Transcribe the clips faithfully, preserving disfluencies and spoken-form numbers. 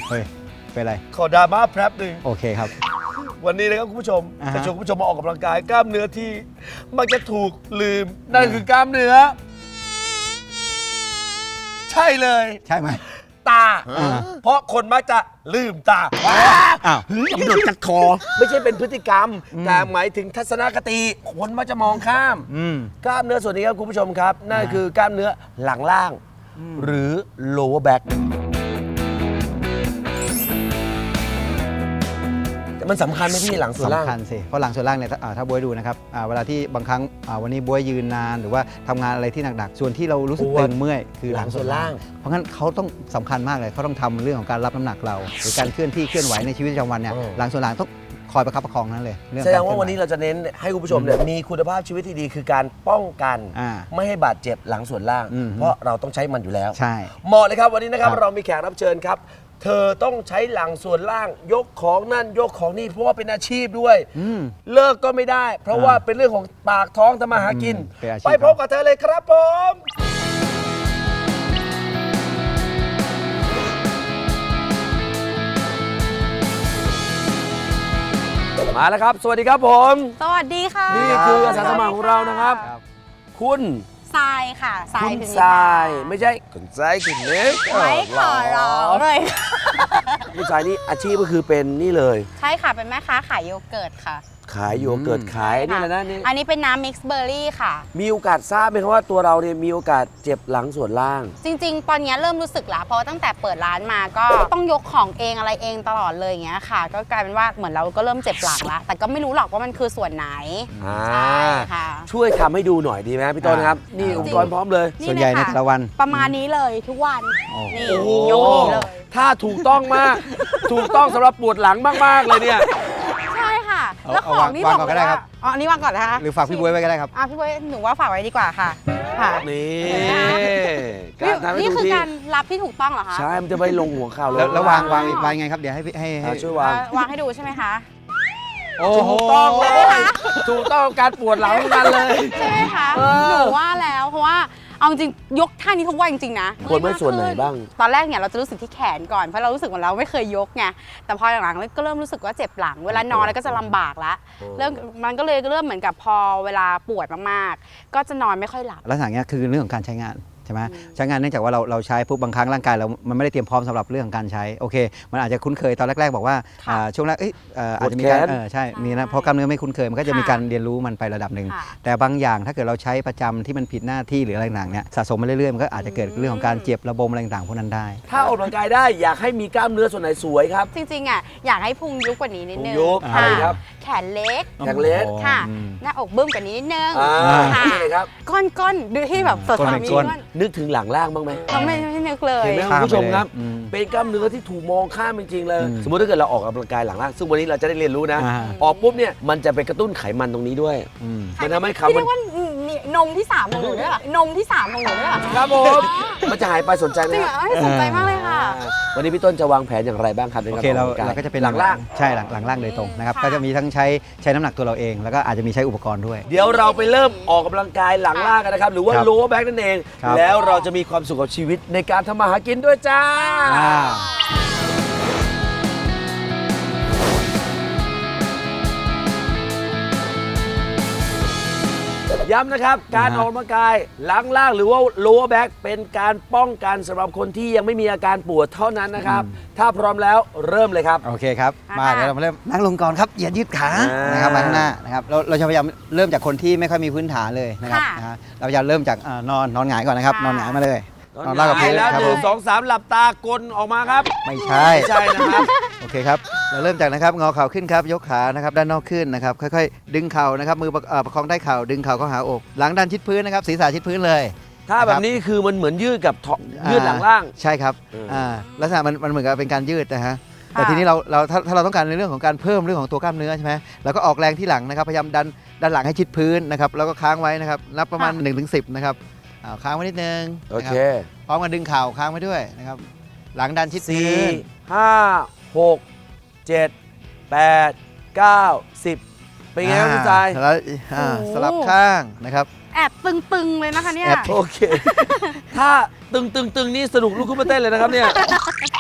เฮ้ยเป็นไรขอดราม่าแป๊บหนึ่งโอเคครับวันนี้นะครับคุณผู้ชม uh-huh. จะชวนคุณผู้ชมมาออกกำลังกายกล้ามเนื้อที่มักจะถูกลืมนั่นคือกล้ามเนื้อใช่เลยใช่ไหมตาเพราะคนมักจะลืมตาอ้าวกระโดดจัดคอไม่ใช่เป็นพฤติกรรมแต่หมายถึงทัศนคติคนมักจะมองข้ามกล้ามเนื้อส่วนนี้ครับคุณผู้ชมครับนั่นคือกล้ามเนื้อหลังล่างหรือ lower back มันสำคัญไหมพี่หลังส่วนล่างสำคัญสิเพราะหลังส่วนล่างเนี่ยถ้าบ๊วยดูนะครับเวลาที่บางครั้งวันนี้บ๊วยยืนนานหรือว่าทำงานอะไรที่หนักๆส่วนที่เรารู้สึกตึงเมื่อยคือหลังส่วนล่างเพราะงั้นเขาต้องสำคัญมากเลยเขาต้องทำเรื่องของการรับน้ำหนักเราหรือการเคลื่อนที่เคลื่อนไหวในชีวิตประจำวันเนี่ยหลังส่วนล่างต้องคอยประคับประคองนั้นเลยแสดงว่าวันนี้เราจะเน้นให้คุณผู้ชมเนี่ยมีคุณภาพชีวิตที่ดีคือการป้องกันไม่ให้บาดเจ็บหลังส่วนล่างเพราะเราต้องใช้มันอยู่แล้วใช่เหมาะเลยครับวันนี้นะครับเรามีแขกรับเชิญครับเธอต้องใช้หลังส่วนล่างยกของนั่นยกของนี่เพราะว่าเป็นอาชีพด้วยเลิกก็ไม่ได้เพราะว่าเป็นเรื่องของปากท้องทำมาหากินไปพบกับเธอเลยครับผมมาแล้วครับสวัสดีครับผมสวัสดีค่ะนี่คืออาสาสมัครของเรานะครับคุณทรายค่ะทรายคุณทรายไม่ใช่คุณทรายคุณเล็กไม่ขอร้องเลยคุณทรายนี่อาชีพก็คือเป็นนี่เลยใช่ค่ะเป็นแม่ค้าขายโยเกิร์ตค่ะขายโยเกิร์ตขายนี่แหละนะนี่อันนี้เป็นน้ำมิกซ์เบอร์รี่ค่ะมีโอกาสทราบไหมครับว่าตัวเราเนี่ยมีโอกาสเจ็บหลังส่วนล่างจริงๆตอนนี้เริ่มรู้สึกแล้วเพราะตั้งแต่เปิดร้านมาก็ต้องยกของเองอะไรเองตลอดเลยอย่างเงี้ยค่ะก็กลายเป็นว่าเหมือนเราก็เริ่มเจ็บหลังแล้วแต่ก็ไม่รู้หรอกว่ามันคือส่วนไหนใช่ค่ะช่วยทำให้ดูหน่อยดีไหมพี่ต้นครับนี่อุปกรณ์พร้อมเลยส่วนใหญ่ในแต่ละวันประมาณนี้เลยทุกวันนี่ยกนี้เลยถ้าถูกต้องมากถูกต้องสำหรับปวดหลังมากๆเลยเนี่ยแล้วของนี่บอกเลยว่าอ๋ออันนี้วางก่อนนะคะหรือฝากพี่บ๊วยไว้ก็ได้ครับอ่ะพี่บ๊วยหนูว่าฝากไว้ดีกว่าค่ะค่ะนี่นี่คือการรับที่ถูกต้องเหรอคะใช่มันจะไม่ลงหัวเข่าเลยแล้ววางวางวางไงครับเดี๋ยวให้ให้ช่วยวางวางให้ดูใช่ไหมคะโอ้ถูกต้องเลยถูกต้องการปวดหลังเหมือนกันเลยใช่ไหมคะหนูว่าแล้วเพราะว่าเอาจริงยกท่านี้ทุกวันจริงๆนะปวดไม่ส่วนไหนบ้างตอนแรกเนี่ยเราจะรู้สึกที่แขนก่อนเพราะเรารู้สึกเหมือนเราไม่เคยยกไงแต่พอหลังๆก็เริ่มรู้สึกว่าเจ็บหลังเวลานอนแล้วก็จะลำบากละเริ่มมันก็เลยเริ่มเหมือนกับพอเวลาปวดมากๆก็จะนอนไม่ค่อยหลับลักษณะนี้คือเรื่องของการใช้งานใช่ไหมใช้งานเนื่องจากว่าเราเราใช้ปุ๊บบางครั้งร่างกายเรามันไม่ได้เตรียมพร้อมสำหรับเรื่องของการใช้โอเคมันอาจจะคุ้นเคยตอนแรกๆบอกว่าช่วงแรกอาจจะมีการใช่มีนะเพราะกล้ามเนื้อไม่คุ้นเคยมันก็จะมีการเรียนรู้มันไประดับหนึ่งแต่บางอย่างถ้าเกิดเราใช้ประจำที่มันผิดหน้าที่หรืออะไรต่างๆเนี่ยสะสมมาเรื่อยๆมันก็อาจจะเกิดเรื่องของการเจ็บระบมอะไรต่างๆพวกนั้นได้ถ้าออกกำลังกายได้อยากให้มีกล้ามเนื้อส่วนไหนสวยครับจริงๆอ่ะอยากให้พุงยุบกว่านี้นิดนึงยุบอะไรครับแขนเล็กแขนเล็กค่ะหน้าอกบึ้มกว่านี้นิดนึงค่ะครับก้อนก้นดูที่แบบสดใสมีก้อนนึกถึงหลังล่างบ้างไหมเราไม่ไม่นึกเลยเห็นไหมคุณผู้ชมครับเป็นกล้ามเนื้อที่ถูกมองข้ามจริงๆเลยสมมติถ้าเกิดเราออกกำลังกายหลังล่างซึ่งวันนี้เราจะได้เรียนรู้นะออกปุ๊บเนี่ยมันจะไปกระตุ้นไขมันตรงนี้ด้วยมันทำให้ขามันเรียกว่านมที่สามของหนูด้วยเหรอนมที่สามของหนูด้วยเหรอครับผมมันจะหายไปสนใจไหมจริงเหรอสนใจมากเลยค่ะวันนี้พี่ต้นจะวางแผนอย่างไรบ้างครับโอเคเราเราก็จะเป็นหลังล่างใช่หลังหลังล่างโดยตรงนะครับก็จะมีทั้งใช้ใช้น้ำหนักตัวเราเองแล้วก็อาจจะมีใช้อุปกรณ์ด้วยเดี๋ยวเราไปเริ่มออกกำลังกายหลังล่างกันนะครับหรือว่า lower back นั่นเองแล้วเราจะมีความสุขกับชีวิตในการทำมาหากินด้วยจ้าย้ำนะครับการออกกำลังกายหลังล่างหรือว่า lower back เป็นการป้องกันสำหรับคนที่ยังไม่มีอาการปวดเท่านั้นนะครับถ้าพร้อมแล้วเริ่มเลยครับโอเคครับมาเดี๋ยวเรามาเริ่มนั่งลงก่อนครับอย่ายืดขานะครับมาข้างหน้านะครับเราเราจะพยายามเริ่มจากคนที่ไม่ค่อยมีพื้นฐานเลยนะครับเราจะเริ่มจากนอนนอนหงายก่อนนะครับนอนหงายมาเลยนอนราบกับพื้นแล้วหนึ่งสองสามหลับตากลออกมาครับไม่ใช่ใช่นะครับโอเคครับเราเริ่มจากนะครับงอเข่าขึ้นครับยกขานะครับด้านนอกขึ้นนะครับค่อยๆดึงเข่านะครับมือประคองได้เข่าดึงเข่าเข้าหาอกหลังด้านชิดพื้นนะครับศีรษะชิดพื้นเลยถ้าแบบนี้คือมันเหมือนยืดกับยืดหลังล่างใช่ครับลักษณะมันมันเหมือนกับเป็นการยืดนะฮะแต่ทีนี้เราเราถ้าถ้าเราต้องการในเรื่องของการเพิ่มเรื่องของตัวกล้ามเนื้อใช่ไหมเราก็ออกแรงที่หลังนะครับพยายามดันดันหลังให้ชิดพื้นนะครับแล้วก็ค้างไว้นะครับนับประมาณหนึ่งถึงสิบนะครับค้างไว้นิดนึงโอเคพร้อมกันดึงเข่าค้างไว้ด้วยนะครับหลังดันชิดพื้นห้าหกเจ็ดแปดเก้าสิบเป็นไงครับคุณทรายสลับข้างนะครับแอบตึงๆเลยนะคะเนี่ยโอเคถ้าตึงตึงตึงนี่สนุกลุกขึ้นมาเต้นเลยนะครับเนี่ย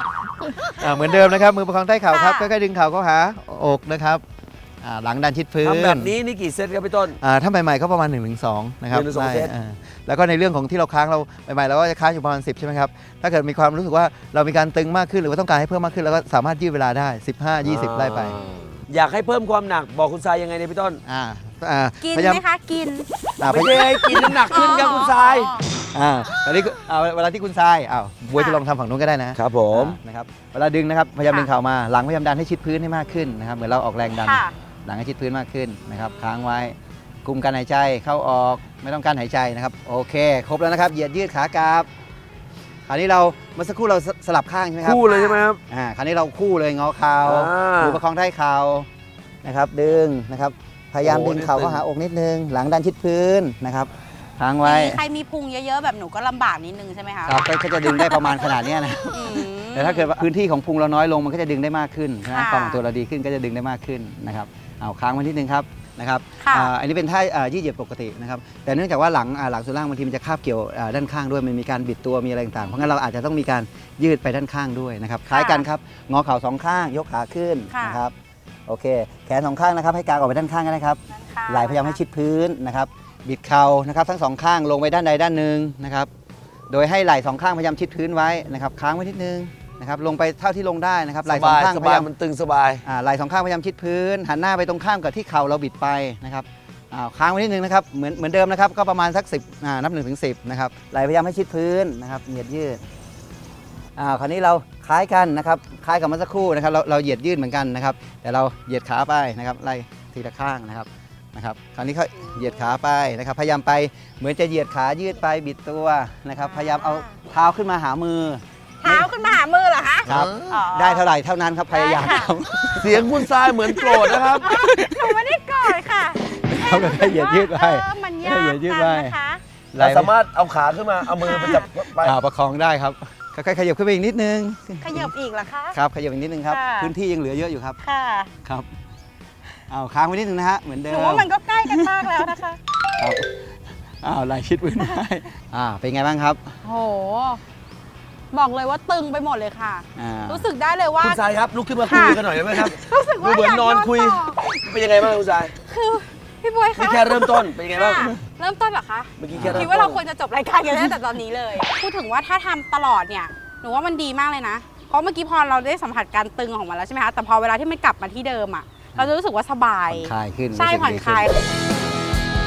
อ่าเหมือนเดิมนะครับมือประคองใต้เข่าครับค่ะค่อยๆดึงเข่าเข้าหาอกนะครับอ่าหลังดันชิดพื้นทำแบบนี้นี่กี่เซตครับพี่ต้นอ่าถ้าใหม่ๆก็ประมาณหนึ่งถึงสองนะครับหนึ่งถึงสองได้เซตอ่าแล้วก็ในเรื่องของที่เราค้างเราใหม่ๆเราก็จะค้างอยู่ประมาณสิบใช่ไหมครับถ้าเกิดมีความรู้สึกว่าเรามีการตึงมากขึ้นหรือว่าต้องการให้เพิ่มมากขึ้นเราก็สามารถยืดเวลาได้สิบห้า ยี่สิบไล่ไปอยากให้เพิ่มความหนักบอกคุณทรายยังไงเนี่ยพี่ต้นอ่าอ่ากินพยายามไหมคะกินอ่าพไม่ยายามได้ให้กินน้ำหนักขึ้นครับคุณทรายอ่าตอนนี้อ่าเวลาที่คุณทรายอ้าวบวยจะลองทำฝั่งนู้นก็ได้นะครับผมอ่านะครับเวลาดึงนะครับพยายามค่ะดึงเข่ามาหลังพยายามดันให้ชิดพื้นให้มากขึ้นนะครับเหมือนเราออกแรงดันค่ะหลังให้ชิดพื้นมากขึ้นนะครับค้างไว้คุมการหายใจเข้าออกไม่ต้องการหายใจนะครับโอเค ครบแล้วนะครับเหยียดยืดขากราบคราวนี้เราเมื่อสักครู่เราสสลับข้างใช่ไหมครับคู่เลยใช่ไหมครับอ่าคราวนี้เราคู่เลยงอเข่าอ่ามืมือประคองใต้เข่านะครับดึงนะครับพยายามโอ้ดึงเข่านี่ตึงเข้าหาอกนิดนึงหลังดันชิดพื้นนะครับค้างไว้มีใครมีพุงเยอะๆแบบหนูก็ลำบากนิดนึงใช่ไหมคะครับก็ก็จะดึงได้ประมาณขนาดเนี้ยนะอืมแต่ถ้าเกิดว่าพื้นที่ของพุงเราน้อยลงมันก็จะดึงได้มากขึ้นนะค่ะความของตัวเราดีขึ้นก็จะดึงได้มากขึ้นนะครับเอาค้างไว้นิดนึงครับนะครับค่ะอ่าอันนี้เป็นท่าอ่ายืดเหยียดปกตินะครับแต่เนื่องจากว่าหลังอ่าหลังส่วนล่างบางทีมันจะคาบเกี่ยวอ่าด้านข้างด้วยมันมีการบิดตัวมีอะไรต่างๆเพราะงั้นเราอาจจะต้องมีการยืดไปด้านข้างด้วยนะครับคล้ายกันครับงอเข่าสองข้างยกขาขึ้นค่ะนะครับโอเคแขนสองข้างนะครับให้กางออกไปด้านข้างก็ได้ครับด้านข้งไหล่พยายามให้ชิดพื้นนะครับบิดเข่านะครับทั้งสองข้างลงไปด้านใดด้านหนึ่งนะครับโดยให้ไหล่สองข้างพยายามชิดพื้นไว้นะครับค้างไว้นิดนึงนะครับลงไปเท่าที่ลงได้นะครับไหสล่สองบายข้างสพบายยายามมันตึงสบายอ่าไหล่สองข้างพยายามชิดพื้น หันหน้าไปตรงข้ามกับที่เข่าเราบิดไปนะครับอ่าค้างไว้นิดนึงนะครับเหมือนเหมือนเดิมนะครับก็ประมาณสักสิบอ่านับหนึ่งถึงสิบนะครับไหล่พยายามให้ชิดพื้นนะครับเหยียดยืดอ่าคราวนี้เราคล้ายกันนะครับคล้ายกับเมื่อสักครู่นะครับเราเราเหยียดยืดเหมือนกันนะครับแต่เราเหยียดขาไปนะครับไล่ทีละข้างนะครับนะครับคราวนี้เขาเหยียดขาไปนะครับพยายามไปเหมือนจะเหยียดขายืดไปบิดตัวนะครับพยายามเอาเท้าขึ้นมาหามือเท้าขึ้นมาหามือเหรอคะครับอ๋อได้เท่าไหร่เท่านั้นครับพยายามได้ค่ะครับเสียงคุณทรายเหมือนโกรธนะครับหนูไม่ได้โกรธค่ะเขาก็ได้เหยียดยืดไปเออมันยากเหยียดยืดจัไปงนะคะไหล่เราสามารถเอาขาขึ้นมาเอามือไปจับไปอ่าประคองได้ครับค่อยๆขยับขึ้นไปอีกนิดนึงขยับอีกเหรอคะครับขยับอีกนิดนึงครับค่ะพื้นที่ยังเหลือเยอะอยู่ครับค่ะครับเอาค้างไว้นิดนึงนะฮะเหมือนเดิหมนูว่ามันก็ใกล้กันมากแล้วนะคะครับอ้าวไหล่ชิดพื้นได้อ่าเป็นไงบ้างครับโห บอกเลยว่าตึงไปหมดเลยค่ะอ่ารู้สึกได้เลยว่าคุณทรายครับลุกขึ้นมาคุยค่ะกันหน่อยได้ไหมครับรู้สึกว่าดูเหมือนนอนคุยต่เป็นยังไงบ้างคุณทรายคือพี่บวยคะนี่แค่เริ่มต้นเป็นยังไงบ้างค่ะเริ่มต้นเหรอคะเมื่อกี้แค่เริ่มคิดต้ว่าน เราควรจะจบรายการกันตั้งแต่ตอนนี้เลย พูดถึงว่าถ้าทำตลอดเนี่ย หนูว่ามันดีมากเลยนะ เพราะเมื่อกี้พอเราได้สัมผัสการตึงของมันแล้วใช่ไหมคะ แต่พอเวลาที่มันกลับมาที่เดิมอ่ะ เราจะรู้สึกว่าสบายผ่อนคลายขึ้นใช่รู้สึกผ่อนดีคลายขึ้น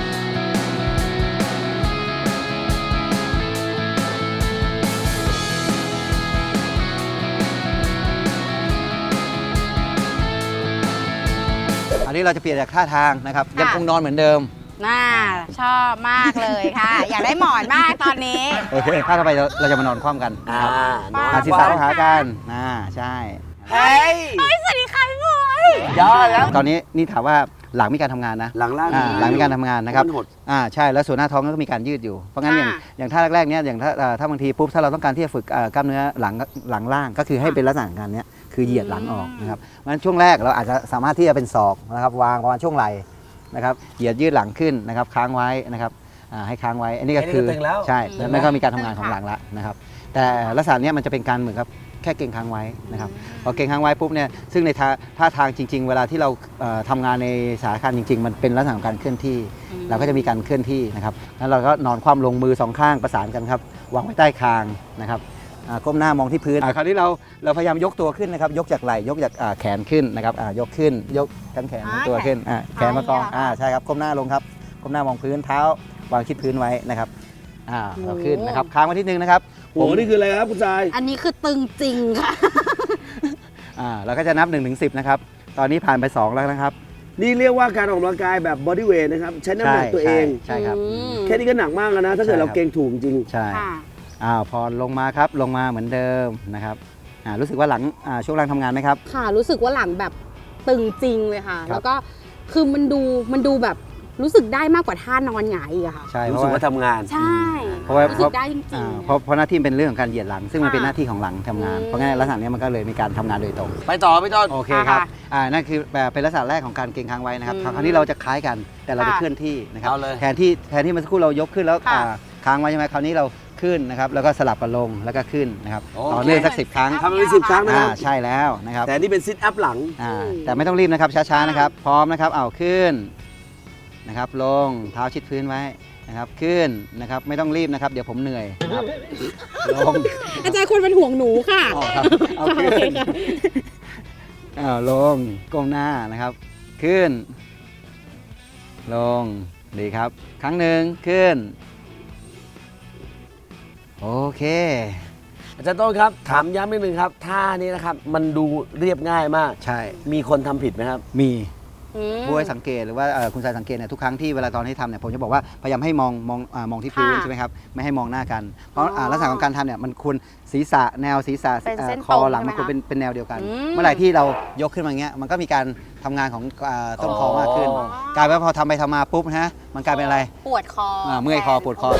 อันนี้เราจะเปลี่ยนจากท่าทางนะครับยังคงนอนเหมือนเดิมน่าชอบมากเลยค่ะ อยากได้หมอนมากตอนนี้โอเคท่าต่อไปเราเราจะมานอนคว่ำกันอ่าอ่าหันศีรษะเข้าหากันอ่าใช่เฮ้ยเฮ้ยสวัสดีค่ะพี่บวยยอดแล้วตอนนี้นี่ถามว่าหลังมีการทำงานนะหลังล่างอ่าหลังมีการทำงานนะครับมันหดอ่าใช่แล้วส่วนหน้าท้องก็มีการยืดอยู่เพราะงั้นอย่างอย่างท่าแรกๆเนี้ยอย่างถ้าอ่าถ้าบางทีปุ๊บถ้าเราต้องการที่จะฝึกอ่ากล้ามเนื้อหลังหลังล่างก็คือให้เป็นลักษณะการเนี้ยคือเหยียดหลังออกนะครับเพราะฉะนั้นช่วงแรกเราอาจจะสามารถที่จะเป็นศอกนะครับวางประมาณช่วงไหล่นะครับเหยียดยืดหลังขึ้นนะครับค้างไว้นะครับอ่าให้ค้างไว้อันนี้ก็คืออันนี้ก็ตึงแล้วใช่ตึงแล้วแล้วนั่นก็มีการทำงานของหลังละนะครับแต่ลักษณะเนี้ยมันจะเป็นการเหมือนกับแค่เก่งค้างไว้นะครับพอเก่งค้างไว้ปุ๊บเนี่ยซึ่งในท่าท่าทางจริง ๆ เวลาที่เราเอ่อทำงานในสถานการณ์จริง ๆ มันเป็นลักษณะของการเคลื่อนที่ เราก็จะมีการเคลื่อนที่นะครับแล้วเราก็นอนคว่ำลงมือสองข้างประสานกันครับวางไว้ใต้คางนะครับอ่าก้มหน้ามองที่พื้นอ่าคราวนี้เราเราพยายามยกตัวขึ้นนะครับยกจากไหล่ยกจากอ่าแขนขึ้นนะครับอ่ายกขึ้นยกทั้งแขนทั้งตัวขึ้นอ่าแขนมากองอ่าใช่ครับก้มหน้าลงครับก้มหน้ามองพื้นเท้าวางชิดพื้นไว้นะครับอ่าเราขึ้นนะครับค้างไว้ทีนึงนะครับโอ้โหนี่คืออะไรครับคุณทรายอันนี้คือตึงจริงค่ะอ่าเราก็จะนับหนึ่งถึงสิบนะครับตอนนี้ผ่านไปสองแล้วนะครับนี่เรียกว่าการออกกำลังกายแบบบอดี้เวทนะครับใช้น้ำหนักตัวเองใช่ครับอืมแค่นี้ก็หนักมากแล้วนะ ถ้าเกิดใช่เราครับเก่งถูกจริงใช่ค่ะอ้าวพอลงมาครับลงมาเหมือนเดิมนะครับอ่ารู้สึกว่าหลังอ่าช่วงล่างทำงานไหมครับค่ะรู้สึกว่าหลังแบบตึงจริงเลยค่ะครับแล้วก็คือมันดูมันดูแบบรู้สึกได้มากกว่าท่านอนหงายอีกอะค่ะใช่ๆเพรู้ราะสึกว่าว่าทำงานใช่เพราะว่ารู้สึกได้จริงอ่าๆเพราะเพราะหน้าที่เป็นเรื่องของการเหยียดหลัง ซึ่งมันค่ะเป็นหน้าที่ของหลังทำงานอืมเพราะงั้นลักษณะเนี้ยมันก็เลยมีการทำงานโดยตรงไปต่อพี่ต้นโอเคครับค่ะอ่านั่นคือแบบเป็นลักษณะแรกของการเก่งค้างไว้นะครับอืมคราวนี้เราจะคล้ายกันแต่เราจะค่ะเคลื่อนที่นะครับเอาเลยแทนที่แทนที่เมื่อสักครู่เรายกขึ้นแล้วค่ะอ่าค้างไว้ใช่ไหมคราวนี้เราขึ้นนะครับแล้วก็สลับกันลงแล้วก็ขึ้นนะครับโอเคต่อเนื่องสักสิบครั้งทำไปสิบครั้งนะคอ่ารับใช่แล้วนะครับแต่นี่เป็นซิทอัพหลังอ่าแต่ไม่ต้องรีบนะครับช้าๆนะครับพร้อมนะครับเอาขึ้นนะครับลงเท้าชิดพื้นไว้นะครับขึ้นนะครับไม่ต้องรีบนะครับเดี๋ยวผมเหนื่อยนะครับลงอาจารย์คนเป็นห่วงหนูค่ะออกครับเอาขึ้นอ้าวลงก้มหน้านะครับขึ้นลงดีครับครั้งหนึ่งขึ้นโอเคอาจารย์ต้นครับถามย้ำนิดนึงครับท่านี้นะครับมันดูเรียบง่ายมากใช่มีคนทำผิดไหมครับมีอืมผู้ให้สังเกตหรือว่าเอ่อคุณชายสังเกตเนี่ยทุกครั้งที่เวลาตอนที่ทำเนี่ยผมจะบอกว่าพยายามให้มองมองอามองที่พื้นค่ะใช่ไหมครับไม่ให้มองหน้ากัน เพราะอ๋ออ่าลักษณะของการทำเนี่ยมันควรศีรษะแนวศีรษะเป็นเอ่อเส้นคอตรงหลังใช่ไหมมันควรคะเป็นเป็นแนวเดียวกันอืมเมื่อไหร่ที่เรายกขึ้นมาอย่างเงี้ยมันก็มีการทำงานของอ่าต้นคอมากขึ้นอ๋อกลายเป็นว่าพอทำไปทำมาปุ๊บนะฮะมันกลายเป็นอะไรปวดคออ่าเมื่อยคอปวดคอ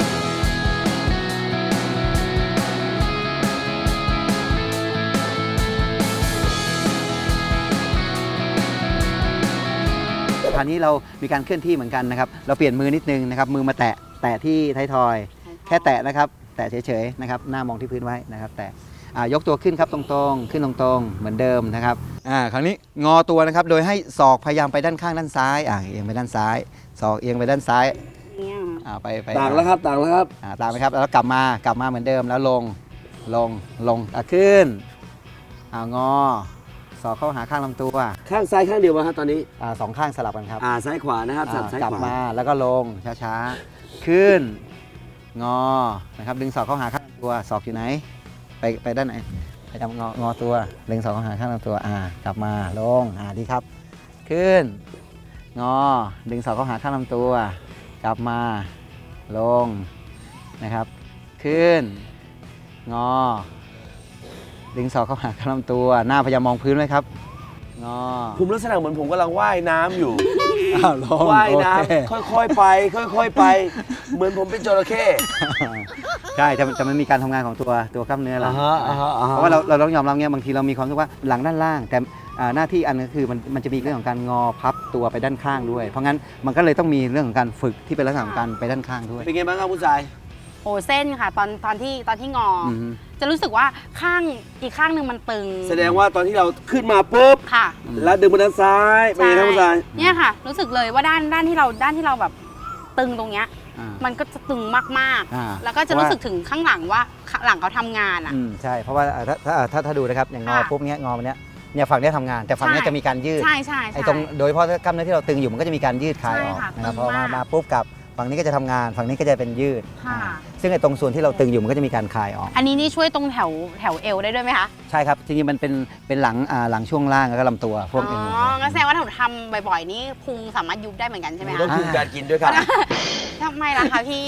คราวนี้เรามีการเคลื่อนที่เหมือนกันนะครับ เราเปลี่ยนมือนิดนึงนะครับ มือมาแตะ แตะที่ท้ายทอย แค่แตะนะครับ แตะเฉยๆนะครับ หน้ามองที่พื้นไว้นะครับ แตะอ่ายกตัวขึ้นครับตรงๆ ขึ้นตรงๆ เหมือนเดิมนะครับ อ่า คราวนี้งอตัวนะครับ โดยให้ศอกพยายามไปด้านข้างด้านซ้าย อ่า เอียงไปด้านซ้าย ศอกเอียงไปด้านซ้ายเนี่ยอ่า ไปไปต่างแล้วครับต่างแล้วครับอ่า ตามไปครับ แล้วกลับมา กลับมาเหมือนเดิม แล้วลง ลง ลง อ่าขึ้น อ่างอ ศอกเข้าหาข้างลำตัวข้างซ้ายข้างเดียวมาครับตอนนี้อ่าสองข้างสลับกันครับอ่าซ้ายขวานะครับสับอ่าซ้ายกลับขวามาแล้วก็ลงช้าๆ ขึ้น งอ นะครับ ดึงศอกเข้าหาข้างลำตัว ศอกอยู่ไหน ไปไปด้านไหน ไปทำงองอตัว ดึงศอกเข้าหาข้างลำตัว อ่า กลับมา ลง อ่า ดีครับ ขึ้น งอ ดึงศอกเข้าหาข้างลำตัว กลับมา ลง นะครับ ขึ้น งอ ดึงศอกเข้าหาข้างลำตัว หน้าพยายามมองพื้นไว้ครับ งอผมลักษณะเหมือนผมกำลังว่ายน้ำอยู่อ้าวลงว่ายโอน้เคำค่อยๆไป ค่อยๆไป เหมือนผมเป็นจระเข้ใช่แต่แต่มันมีการทำงานของตัวตัวกล้ามเนื้อเราอ่าฮะอ่าฮะอ่าฮะเพราะว่าเราเราต้องยอมรับเงี้ยบางทีเรามีความรู้สึกว่าหลังด้านล่าง แต่อ่าหน้าที่อันนึงคือมันมันจะมีเรื่องของการงอพับตัวไปด้านข้างด้วย เพราะงั้นมันก็เลยต้องมีเรื่องของการฝึกที่เป็นลักษณะของการไปด้านข้างด้วยเป็นไงบ้างครับคุณชายโอ้เส้นค่ะ ตอนตอนที่ตอนที่งอออืมจะรู้สึกว่าข้างอีกข้างหนึ่งมันตึงแสดงว่าตอนที่เราขึ้นมาปุ๊บค่ะแล้วดึงมาด้านซ้ายเป็นไงครับคุณชายเนี่ยค่ะ รู้สึกเลยว่าด้านด้านที่เราด้านที่เราแบบตึงตรงเนี้ยอ่ามันก็จะตึงมากอ่าๆ แล้วก็จะรู้สึกถึงข้างหลังว่าข้างหลังเขาทำงานอ่ะอืมใช่เพราะว่าอ่าถ้าถ้าถ้าถ้าดูนะครับอย่างงอค่ะปุ๊บเนี้ยงอมันเนี้ยเนี่ยฝั่งเนี้ยทำงาน แต่ฝั่งเนี้ยใช่จะมีการยืดใช่ใช่ไอ้ใช่ตรงโดยเฉพาะกล้ามเนื้อที่เราตึงอยู่มันก็จะมีการยืดคลายออกใช่ค่ะนะครับตึพงอมามากมาปุ๊บกับฝั่งนี้ก็จะทำงานฝั่งนี้ก็จะเป็นยืดค่ะอ่าซึ่งไอ้ตรงส่วนที่เราตึงอยู่มันก็จะมีการคลายออกอันนี้นี่ช่วยตรงแถวแถวเอวได้ด้วยไหมคะใช่ครับจริงๆมันเป็นเป็นหลังอ่าหลังช่วงล่างแล้วก็ลำตัวพวกอ๋เอ็นองั้นแสดงว่าถ้าหนูทำบ่อยๆ นี่พุงสามารถยุบได้เหมือนกันใช่ไหมต้อคะงคุมการกินด้วยครับทำไมล่ะคะพี่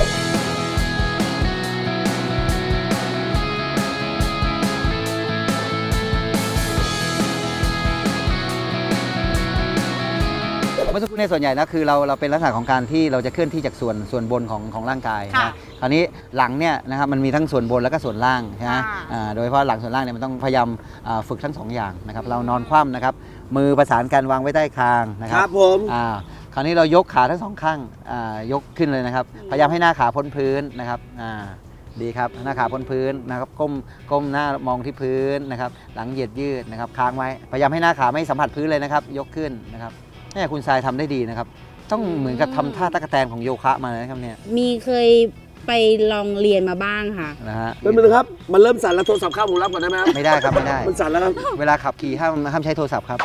เมื่อสักครู่ในยส่วนใหญ่นะคือเราเราเป็นลักษณะของการที่เราจะเคลื่อนที่จากส่วนส่วนบนของของร่างกายค่ะนะคราวนี้หลังเนี่ยนะครับมันมีทั้งส่วนบนแล้วก็ส่วนล่างใช่ไหมค่ะอ่าโดยเฉพาะหลังส่วนล่างเนี่ยมันต้องพยายามอ่าฝึกทั้งสองอย่างนะครับเรานอนคว่ำนะครับมือประสานกันวางไว้ใต้คางนะคครัรับผมอ่าคราวนี้เรายกขาทั้งสองข้างอ่ายกขึ้นเลยนะครับ พยายามให้หน้าขาพ้นพื้นนะครับอ่าดีครับหน้าขาพ้นพื้นนะครับก้มก้มหน้ามองที่พื้นนะครับหลังเหยียดยืดนะครับค้างไว้พยายามให้หน้าขาไม่สัมผัสพื้นเลยนะครับยกขึ้นนะครับเนี่ยคุณทรายทำได้ดีนะครับต้องเหมือนกับทำท่าตะกแตนของโยคะมาเลยนะครับเนี่ยมีเคยไปลองเรียนมาบ้างค่ะนะฮะเป็นไงครับ มันเริ่มสั่นแล้วโทรศัพท์เข้าผมรับก่อนได้ไหมครับไม่ได้ครับไม่ได้มันสั่นแล้วครับเวลาขับขี่ห้ามห้ามใช้โทรศัพท์ครับ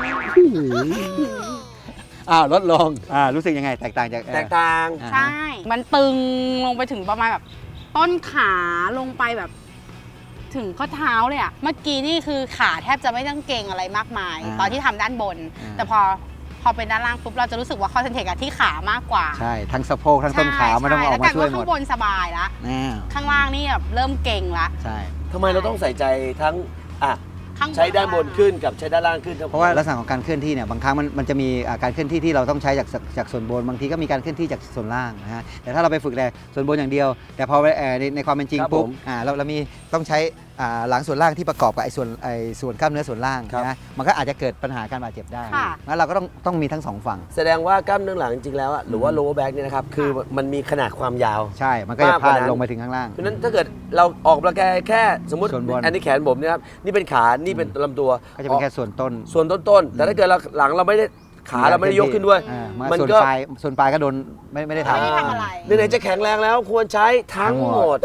อ้าวลดลงอ่ารู้สึกยังไงแตกต่างจากแตกต่างอ่าใช่ มันตึงลงไปถึงประมาณแบบ ต้นขาลงไปแบบ ถึงข้อเท้าเลยอะเมื่อกี้นี่คือขาแทบจะไม่ต้องเกรงอะไรมากมาย ตอนที่ทำด้านบน แต่พอพอเป็นด้านล่างปุ๊บเราจะรู้สึกว่าคอนเซนเทรตกับที่ขามากกว่าใช่ทั้งสะโพกทั้งต้นขามันต้องออกมาช่วยหมแล้วกลายเป็นว่าข้าดงบนสบายละแน่ข้างล่างนี่แบบเริ่มเก่งละใช่ทำไมเราต้องใส่ใจทั้งอ่ะข้างบนใช้ด้านบนขึ้นกับใช้ด้านล่างขึ้นครับเพราะว่าลักษณะของการเคลื่อนที่เนี่ยบางครั้งมันมันจะมีอ่าการเคลื่อนที่ที่เราต้องใช้จากจากส่วนบนบางทีก็มีการเคลื่อนที่จากส่วนล่างนะฮะแต่ถ้าเราไปฝึกแต่ส่วนบนอย่างเดียว แต่พอไปเอ่อในในความเป็นจริงปุ๊บอ่าเราเรามีต้องใช้อ่าหลังส่วนล่างที่ประกอบกับไอ้ส่วนไอ้ส่วนกล้ามเนื้อส่วนล่างครับนะมันก็อาจจะเกิดปัญหาการบาดเจ็บได้ค่ะงั้นเราก็ต้องต้องมีทั้งสองฝั่งแสดงว่ากล้ามเนื้อหลังจริงๆแล้วอะหรือว่า lower back เนี่ยนะครับคือมันมีขนาดความยาวใช่มันก็จะมากกพาว่าดนั้นลงไปถึงข้างล่างเพราะฉะนั้นถ้าเกิดเราออกกำลังกายแค่สมมติส่วนบนอันนี้แขนผมเนี่ยครับนี่เป็นขานี่เป็นลำตัวก็จะเป็นแค่ส่วนต้นส่วนต้นๆแต่ถ้าเกิดเราหลังเราไม่ได้ขาเราไม่ได้ยกขึ้นด้วยอ่ามันมันส่วนก็ปลายส่วนปลายก็โดนไม่ไม่ได้ทำไม่ได้ทำอะไรไหนๆจะแข็งแรงแล้วควรใช้ทั้งทั้งหหมมดด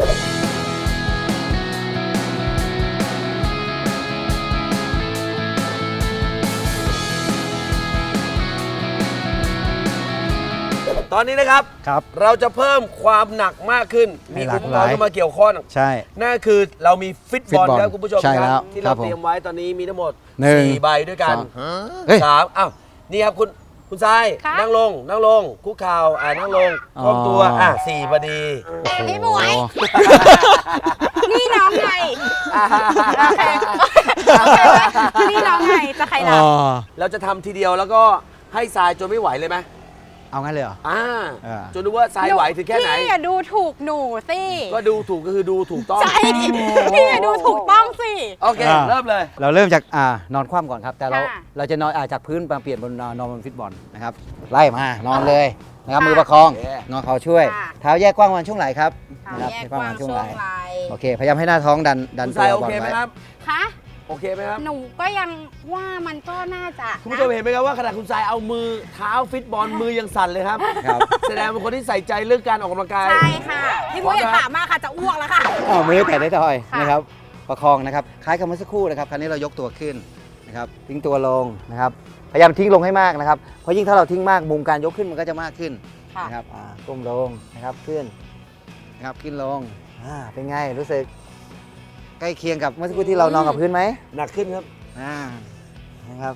ตอนนี้นะครับครับเราจะเพิ่มความหนักมากขึ้นให้มีหลาอุกปหกลาร ยณ์เข้ามาเกี่ยวข้องใช่นั่นคือเรามีฟิตฟิบตอลบอลครับคุณผู้ชมใช่คแล้รัวบที่ครัเราบผมเตรียมไว้ตอนนี้มีทั้งหมดหนึ่งสี่ใบด้วยกันสองเฮ้ยสามอ้าวนี่ครับคุณคุณทรายค่ะนั่งลงนั่งลงคุกเข่าอ่านั่งลงอ๋อคล่อมตัวอ่ะสี่พอดีไอ้หมวย นี่น้องไงโอเคโอเคไหมนี่น้องไงจะใครอ๋ล่ะอเราจะทำทีเดียวแล้วก็ให้ทรายจนไม่ไหวเลยไหมเอางั้นเลยเหรออ่าอ่าจนรู้ว่าทรายไหวถึงแค่ไหนพี่อย่าดูถูกหนูสิก็ดูถูกก็คือดูถูกต้องใช่พี่อย่าดูถูกต้องสิโอเคอ่าเริ่มเลยเราเริ่มจากอ่านอนคว่ำก่อนครับ แต่เราค่ะเราจะนอนอ่าจากพื้นมาเปลี่ยนบนนอนนอนบนฟิตบอลนะครับไล่มานอนเลยนะครับค่ะมือประคองโอเคงอเข่าช่วยค่ะเท้าแยกกว้างวันช่วงไหล่ครับเท้านะครับแยกแยกว้างช่วงไหล่โอเคพยายามให้หน้าท้องดันดันคุณตัทรายว โอบอลเคไหมไว้ครับคะโอเคไหมครับหนูก็ยังว่ามันก็น่าจะคุณผู้ชมเห็นไหมครับว่าขณะคุณทรายเอามือเท้าฟิตบอลมือยังสั่นเลยครับครับแสดงเป็นคนที่ใส่ใจเรื่องการออกกำลังกายใช่ค่ะพี่มุ้ยอย่าถามมากค่ะจะอ้วกแล้วค่ะอ้าวมือแตะได้ทอยค่ะนะครับประคองนะครับคล้ายกับเมื่อสักครู่นะครับคราวนี้เรายกตัวขึ้นนะครับทิ้งตัวลงนะครับพยายามทิ้งลงให้มากนะครับเพราะยิ่งถ้าเราทิ้งมากมุมการยกขึ้นมันก็จะมากขึ้นค่ะนะครับอ่าก้มลงนะครับขึ้นนะครับขึ้นลงอ่าเป็นไงรู้สึกใกล้เคียงกับเมื่อสักครู่ที่เรานอนกับพื้นไหมหนักขึ้นครับอ่านะครับ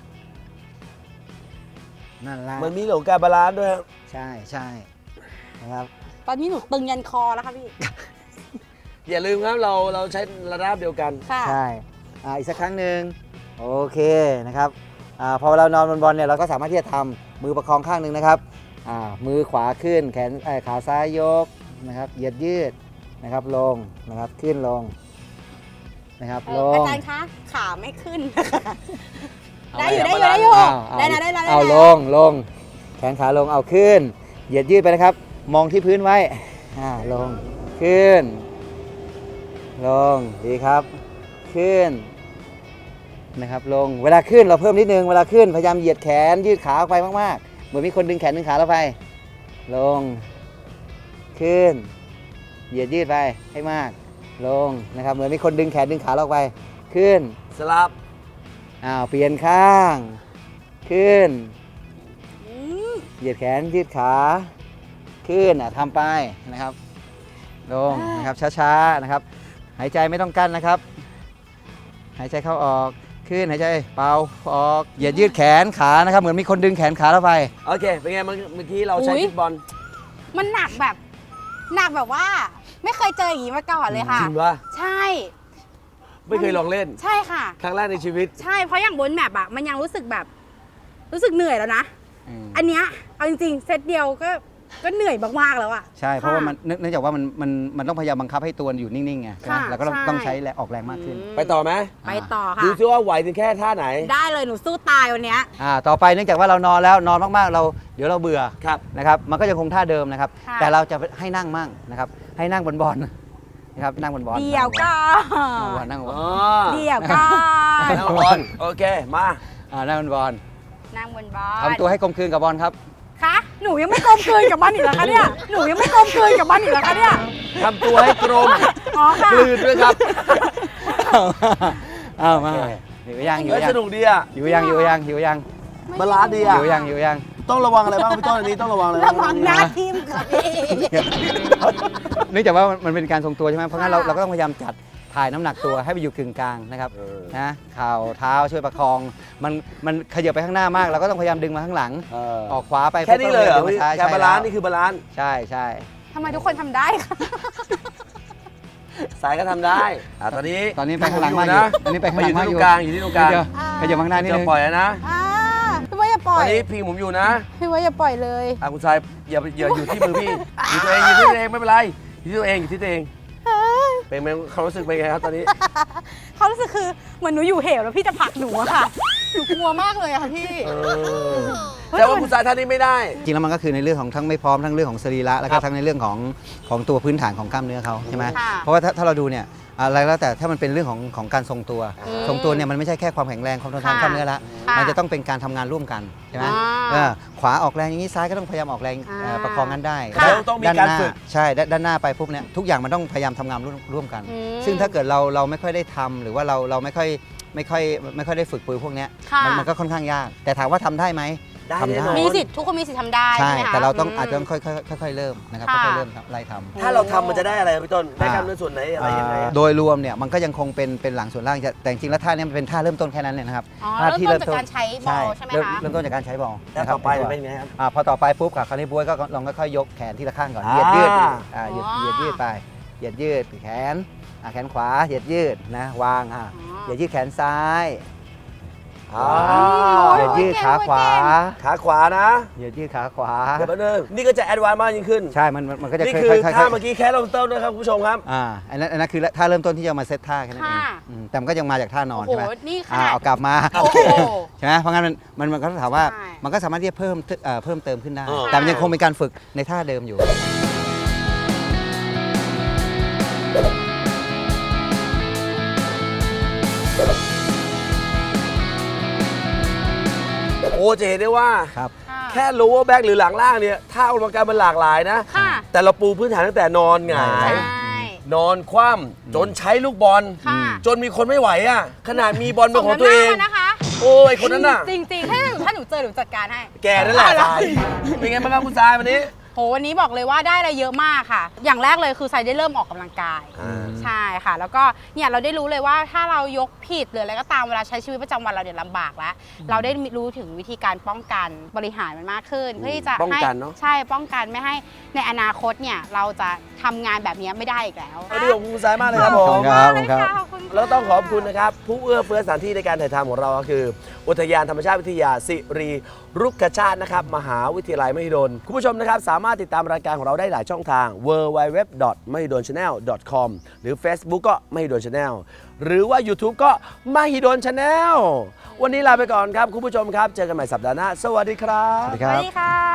นั่นละมันมีเรื่องของการบาลานซ์ด้วยครับใช่ใช่นะครับตอนนี้หนูตึงยันคอแล้วค่ะพี่อย่าลืมครับเราเราใช้ระดับเดียวกันค่ะใช่อ่าอีกสักครั้งหนึ่งโอเคนะครับอาพอเรานอนบนบอลเนี่ยเราก็สามารถที่จะทำมือประคองข้างหนึ่งนะครับอ่ามือขวาขึ้นแขนเอ่อขาซ้ายยกนะครับเหยียดยืดนะครับลงนะครับขึ้นลงนะครับเอลออาง จารย์คะขาไม่ขึ้นเอาได้อยู่ไว้ได้อยู่ได้อยู่เอาเอาได้นะได้นะได้นะเอาลงลงแขนขาลงเอาขึ้น เหยียดยืดไปนะครับ มองที่พื้นไว้อ่าลงขึ้น ลงดีครับ ขึ้นนะครับลงเวลาขึ้นเราเพิ่มนิดนึงเวลาขึ้นพยายามเหยียดแขนยืดขาออกไปมากๆเหมือนมีคนดึงแขนดึงขาเราไป ลงขึ้น เหยียดยืดไปให้มาก ลงนะครับเหมือนมีคนดึงแขนดึงขาเราออกไปขึ้นสลับอ้าวเปลี่ยนข้าง ขึ้นอืมเหยียดแขนยืดขาขึ้นอ่ะทำไปนะครับลงนะครับช้าๆนะครับหายใจไม่ต้องกั้นนะครับ หายใจเข้าออกขึ้นหายใจเป่าออกเหยียดยืดแขนขานะครับเหมือนมีคนดึงแขนขาเราไปโอเค เป็นไงเมื่อเมื่อกี้เราใช้อุ๊ยฟิตบอลมันหนักแบบ หนักแบบว่า ไม่เคยเจออย่างนี้มาก่อนเลยค่ะจริงปะใช่ไม่เคยลองเล่นใช่ค่ะครั้งแรกในชีวิตใช่เพราะอย่างบนแมปอะมันยังรู้สึกแบบ รู้สึกเหนื่อยแล้วนะอืมอันเนี้ยเอาจริงๆเซตเดียวก็ก็เหนื่อยมากๆแล้วอะใช่เพราะว่ามันเนื่องเนื่องจากว่ามันมันมันต้องพยายามบังคับให้ตัวอยู่นิ่งๆไงใช่ไหมค่ะแล้วก็ต้องใช่ต้องใช้แรงออกแรงมากขึ้นไปต่อไหมไปต่อดูค่ะซิว่าไหวถึงแค่ท่าไหนได้เลยหนูสู้ตายวันเนี้ยอ่าต่อไปเนื่องจากว่าเรานอนแล้วนอนมากๆเราเดี๋ยวเราเบื่อครับนะครับมันก็ยังคงท่าเดิมนะครับค่ะแต่เราจะให้นั่งมั่งนะครับให้นั่งบนบอลนะครับนั่งบนบอลเดี๋ยวก็นั่งบนบอลนั่งบนบอลอ๋อเดี๋ยวก็นั่งบอลโอเค มาอ่านั่งบนบอลนั่งบนบอลทำตัวให้กลมกลืนกับบอลครับคะหนูยังไม่กลมกลืนกับมันอีกเหรอคะเนี่ยหนูยังไม่กลมกลืนกับมันอีกเหรอคะเนี่ยทำตัวให้กลมอ๋อค่ะกลืนด้วยครับเอามาโอเคหิวยังหิวเฮ้ยยัสงนุกดีอ่ะหิวยังหิวยังหิวยังบาลานซ์ดีอ่ะหิวยังหิวยังต้องระวังอะไรบ้างพี่ต้นอันนี้ต้องระวังอะไรระบ้างวังหน้าทิ่มค่ะพี่เนื่องจากว่ามันเป็นการทรงตัวใช่ไหมเพราะงั้นเราค่ะเราก็ต้องพยายามจัดถ่ายน้ำหนักตัวให้ไปอยู่กึ่งกลางนะครับเออนะเข่าเท้าช่วยประคอง มันมันขยับไปข้างหน้ามาก เราก็ต้องพยายามดึงมาข้างหลังเออออกขวาไปแค่นี้เลยเหรอปุ๊บพี่ก็การดึงมบาลานซ์ใช่นี่คือบาลานซ์ใช่ใช่ทำไมทุกคนทำได้คะสายก็ทำได้อ่ะตอนนี้ตอนนี้ไปข้างหลังมากอยู่นะตอนนี้ไปข้างหลังมามากออยู่ยู่ที่ตรงกลางอยู่ที่ตรงกลางเดี๋ยวขยับมาข้างหน้านิดจะนึงปล่อยแล้วนะอ่าพี่ว่าอย่าปล่ตออนยนี้พิงผมอยู่นะพี่ว่าอย่าปล่อยเลยอ่ะคุณชายอย่าอย่าอยู่ที่มือพี่อยู่ตัวเองอยู่ที่ตัวเองไม่เป็นไรอยู่ที่ตัวเองอยู่ที่ตัวเองเป็นไงความรู้สึกเป็นไงครับตอนนี้เขารู้สึกคือเหมือนหนูอยู่เหวแล้วพี่จะผลักหนูอะค่ะหนูกลัวมากเลยอะค่ะพี่เออแต่ว่าคุณสายท่านนี้ไม่ได้จริงแล้วมันก็คือในเรื่องของทั้งไม่พร้อมทั้งเรื่องของสรีระแล้วครัก็บทั้งในเรื่องของของตัวพื้นฐานของกล้ามเนื้อเขาใช่ไหมค่ะเพราะว่าถ้าถ้าเราดูเนี่ยอะไรแล้วแต่ถ้ามันเป็นเรื่องของของการทรงตัวอืมทรงตัวเนี่ยมันไม่ใช่แค่ความแข็งแรงความทนทานค่ะกล้ามเนื้อละค่ะมันจะต้องเป็นการทำงานร่วมกันใช่ไหมอ่าเออขวาออกแรงอย่างนี้ซ้ายก็ต้องพยายามออกแรงเอ่ออ่าประคองกันได้ค่ะด้านต้องมีด้านการหน้าฝึกใช่ด้านด้านหน้าไปปุ๊บเนี่ยทุกอย่างมันต้องพยายามทำงานร่วมร่วมกันอืมซึ่งถ้าเกิดเราเราไม่ค่อยได้ทำหรือว่าเราเราไม่ค่อยไม่ค่อยไม่ค่อยได้ฝึกปืนพวกเนี้ยค่ะมันมันก็ค่อนข้างยาก แต่ถามว่าทำได้ไหมได้ทำแน่ได้นอนมีสิทธิ์ทุกคนมีสิทธิ์ทำได้ใช่ใช่ไหมคะแต่เราต้องมอาจจะต้องค่อยๆค่อยๆเริ่มนะครับค่ะค่อยๆเริ่มครับไล่ทำถ้าเราทำมันจะได้อะไรครับพี่ต้นได้กล้ามเนื้อส่วนไหนอะไรยังไงอ่าโดยรวมเนี่ยมันก็ยังคงเป็นเป็นหลังส่วนล่างจะแต่จริงๆแล้วท่าเนี้มันเป็นท่าเริ่มต้นแค่นั้นเนี่ยนะครับอ๋อท่าเริ่มต้นจากการใช้บอลใช่ไหมเริ่มคะเริ่มต้นจากการใช้บอลแล้วนะครับต่อไปตัวเป็นไงครับอ่าพอต่อไปปุ๊บค่ะคราวนี้บ๊วยก็ลองค่อยๆยกแขนทีละข้างก่อนอ่าเหยียดยืดอ่าเหยียดอ๋อเหยียดยืดไปเหยียดยืดแขนอ่าแขนขวาเหยียดยืดนะวางอ่าอ๋อเหยียดยืดแขนซ้ายอ่าเหยียดยืดขาขวาขาขวานะเหยียดยืดขาขวาเดี๋ยวแป๊บนึงนี่ก็จะแอดวานซ์มากยิ่งขึ้นใช่มันมันมันก็จะนี่ค่คืออยๆค่อยๆท่าเมื่อกี้แค่เริ่มต้นนะครับคุณผู้ชมครับอ่าอันนั้นอันนั้นคือท่าเริ่มต้นที่จะมาเซตท่าแค่นั้นเองค่ะอืมแต่มันก็ยังมาจากท่านอนโอ้โหใช่ไหมนี่ขอ่านาดเอากลับมาโอ้โหใช่ไหมเพราะงั้นมันมันมันก็ถามว่าใช่มันก็สามารถที่จะเพิ่มเอ่อเพิ่มเติมขึ้นได้อ่าแต่มันยังคงเป็นการฝึกในท่าเดิมอยู่โอ้จะเห็นได้ว่าครับค่ะแค่ lower back หรือหลังล่างเนี่ยท่าออกกำลังกายมันหลากหลายนะค่ะแต่เราปูพื้นฐานตั้งแต่นอนหงาใช่ย นอนคว่ำจนใช้ลูกบอลค่ะจนมีคนไม่ไหวอ่ะ ขนาดมีบอลเป็นของตัวเองสมน้ำหน้ามานะคะโอ้ยคนนั้นน่ะจริงๆ ถ้าหนูถ้าหนูเจอหนูจัดการให้แกนั่นแหละเอาล่ะทรายเป็นไงบ้างครับคุณทรายวันนี้โหวันนี้บอกเลยว่าได้อะไรเยอะมากค่ะ อย่างแรกเลยคือไซได้เริ่มออกกำลังกายอ่าใช่ค่ะ แล้วก็เนี่ยเราได้รู้เลยว่าถ้าเรายกผิดหรืออะไรก็ตามเวลาใช้ชีวิตประจำวันเราเนี่ยลำบากแล้ว เราได้รู้ถึงวิธีการป้องกันบริหารมันมากขึ้น เพื่อที่จะป้องให้กันเนอะใช่ป้องกันไม่ให้ในอนาคตเนี่ยเราจะทำงานแบบนี้ไม่ได้อีกแล้ววันนี้ขอบคุณคุณทรายมากเลยครับผขอบมคุณครับขอบคุณค่ะขอบคุณค่ะแล้วต้องขอบคุณนะครับ ผู้เอื้อเฟื้อสถานที่ในการถ่ายทำของเราก็คือ อุทยานธรรมชาติวิทยาสิริรุกขชาตินะครับมหาวิทยาลัยมหิดลคุณผู้ชมนะครับสามารถติดตามรายการของเราได้หลายช่องทาง ดับเบิลยู ดับเบิลยู ดับเบิลยู ดอท มหิดลชาแนล ดอท คอม หรือ Facebook ก็มหิดลชาแนลหรือว่า YouTube ก็มหิดลชาแนลวันนี้ลาไปก่อนครับคุณผู้ชมครับ เจอกันใหม่สัปดาห์หน้าสวัสดีครับสวัสดีสครัวัสบดีค่ะ